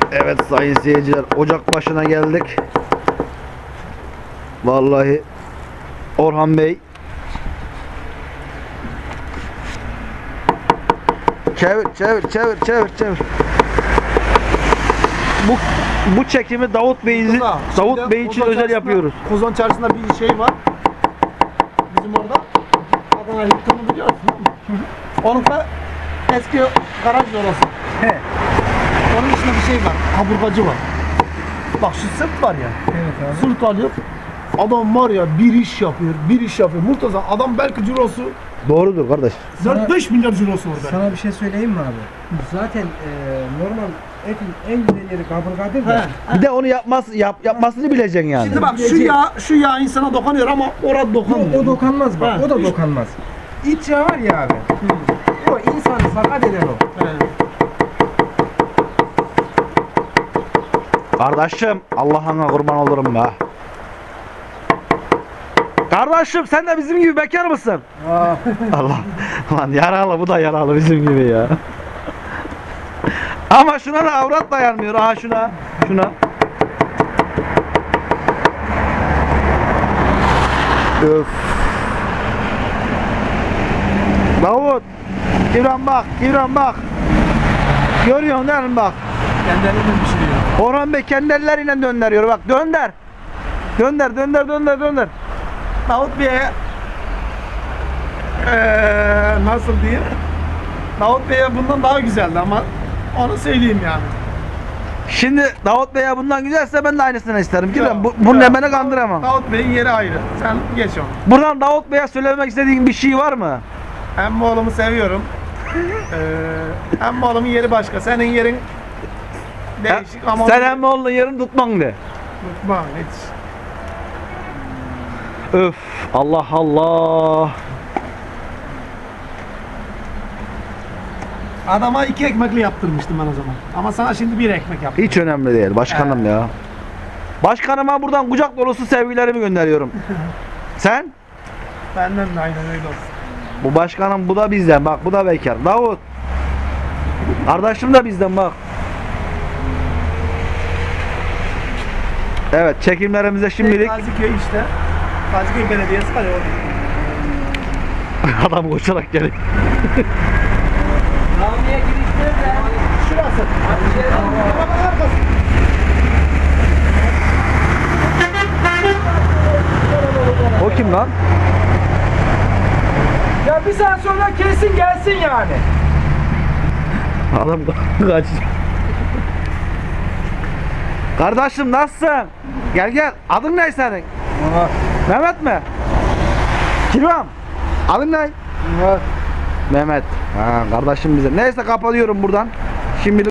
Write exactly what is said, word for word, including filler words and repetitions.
Evet sayın seyirciler, ocak başına geldik. Vallahi Orhan Bey çevir çevir çevir çevir çevir. Bu bu çekimi Davut Bey'in Davut Bey için özel yapıyoruz. Kozan Çarşısı'nda bir şey var. Bizim orada. Adana Hilton'u biliyorsun değil mi? Onun da eski garaj orası. He. Onun içinde bir şey var. Kaburgacı var. Bak şu sırt var ya. Evet abi. Sırt alıyor. Adam var ya bir iş yapıyor, bir iş yapıyor. Murtaza adam belki cirosu Doğrudur kardeş. dört beş milyar cirosu orada. Sana bir şey söyleyeyim mi abi? Zaten e, normal etin en güzel yeri kaburgadır da. Bir de onu yapmaz yap, yapmasını bileceksin yani. Şimdi bak şu yağ, şu yağ insana dokunuyor ama orada dokunmuyor. O, o dokanmaz bak, Ha, o da hiç- dokanmaz. İç yağı var ya abi. O insanı sakat eden o. He. Kardeşim Allah'ına kurban olurum be. Kardeşim sen de bizim gibi bekar mısın? Allah. Lan yaralı, bu da yaralı bizim gibi ya. Ama şuna da avrat dayanmıyor. Aha şuna. Şuna. Öf. Davut. İbrahim bak. İbrahim bak. Görüyorsun değil mi bak. Kendi elinden pişiriyor. Orhan Bey kendi elleriyle döndürüyor. Bak dönder. Dönder, dönder, dönder, dönder. Davut Bey'e eee nasıl diyeyim? Davut Bey'e bundan daha güzeldi ama onu söyleyeyim yani. Şimdi Davut Bey'e bundan güzelse ben de aynısını isterim. Ki Yok, ben bu, bunun yok. emene kandıramam. Davut Bey'in yeri ayrı. Sen geç onu. Buradan Davut Bey'e söylemek istediğin bir şey var mı? Emmoğlu'mu seviyorum. Eee Emmoğlu'mun yeri başka. Senin yerin değişik ama Sen emmoğlunun yerini tutman de. unutma hiç. Öf. Allah Allah. Adama iki ekmekli yaptırmıştım ben o zaman. Ama sana şimdi bir ekmek yaptım. Hiç önemli değil başkanım ya. Başkanıma buradan kucak dolusu sevgilerimi gönderiyorum. Sen? Benden de aynen öyle olsun. Bu başkanım, bu da bizden. Bak bu da bekar. Davut. Kardeşim de bizden bak. Evet, çekimlerimize şimdilik Gaziköy işte. Gaziköy Belediyesi var ya orada. adam koşarak geliyor. Camiye giriş nerede? Şurası. Arabanın arkası. O kim lan? Ya bir saat sonra kesin gelsin yani. Adam kaç. Kardeşim nasılsın? Gel gel. Adın ne senin? Mehmet mi? Kiram. Adın ne? Mehmet. Ha, kardeşim bize. Neyse kapatıyorum buradan. Şimdi